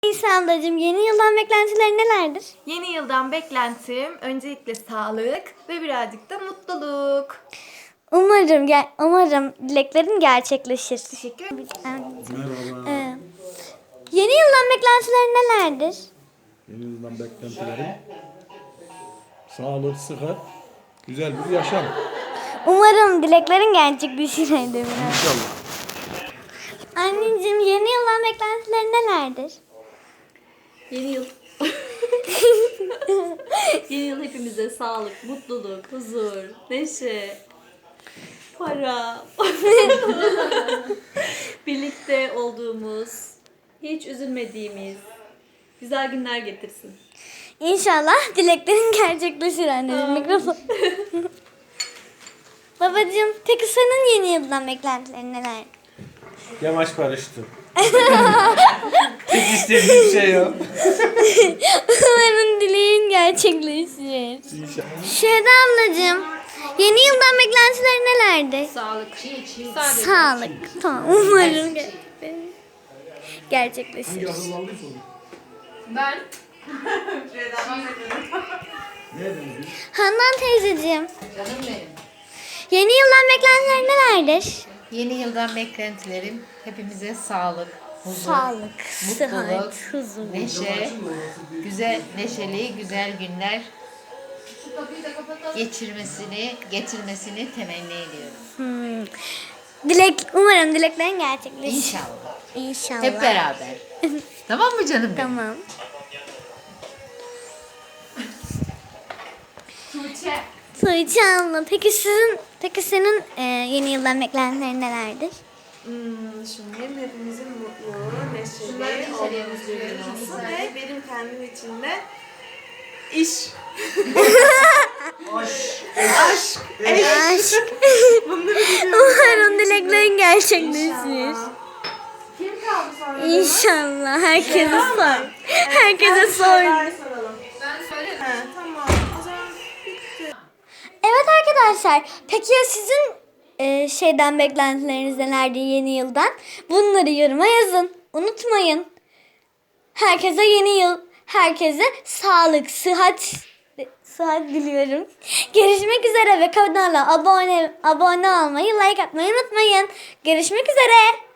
İsa ablacığım, yeni yıldan beklentilerin nelerdir? Yeni yıldan beklentim öncelikle sağlık ve birazcık da mutluluk. Umarım dileklerin gerçekleşir. Teşekkür ederim. Merhaba. Yeni yıldan beklentilerin nelerdir? Yeni yıldan beklentilerim sağlık, sıhhat, güzel bir yaşam. Umarım dileklerin gerçekleşir. İnşallah. Anneciğim, yeni yıldan beklentilerin nelerdir? Yeni yıl. Yeni yıl hepimize sağlık, mutluluk, huzur, neşe, para. Birlikte olduğumuz, hiç üzülmediğimiz güzel günler getirsin. İnşallah dileklerin gerçekleşir anneciğim. Mikrofon. Babacığım, peki senin yeni yıldan beklentilerin neler? Yamaç barıştı. Hiç istediğim şey yok. Umarım dileğin gerçekleşir. İnşallah. Şehda ablacığım, yeni yıldan beklentilerin nelerdi? Sağlık. Sağlık. Tamam, umarım gerçekleşir. Ben Handan teyzeciğim, yeni yıldan beklentilerin nelerdir? Yeni yıldan beklentilerim hepimize sağlık, huzur, Sağlık, mutluluk, sıhhat, huzur. neşe, neşeli güzel günler getirmesini temenni ediyorum. Umarım dileklerin gerçekleşir. İnşallah. İnşallah. Hep beraber. Tamam mı canım benim? Tamam. Tuğçe abla, peki senin yeni yıldan beklentilerin nelerdir? Şimdi hepimizin mutlu, neşeli olduğumuz bir gün olsun ve benim kendim için de iş. Aşk. Aşk. Bunları biliyorum. Umarım dileklerin gerçekleşir. İnşallah. Kim kaldı sonra? İnşallah. Herkese sor. Herkese sor. Soralım. Ben söyledim. Tamam. O zaman bitti. Evet arkadaşlar. Peki ya sizin şeyden beklentileriniz nelerdi yeni yıldan? Bunları yoruma yazın. Unutmayın. Herkese yeni yıl. Herkese sağlık, sıhhat diliyorum. Görüşmek üzere ve kanala abone olmayı, like atmayı unutmayın. Görüşmek üzere.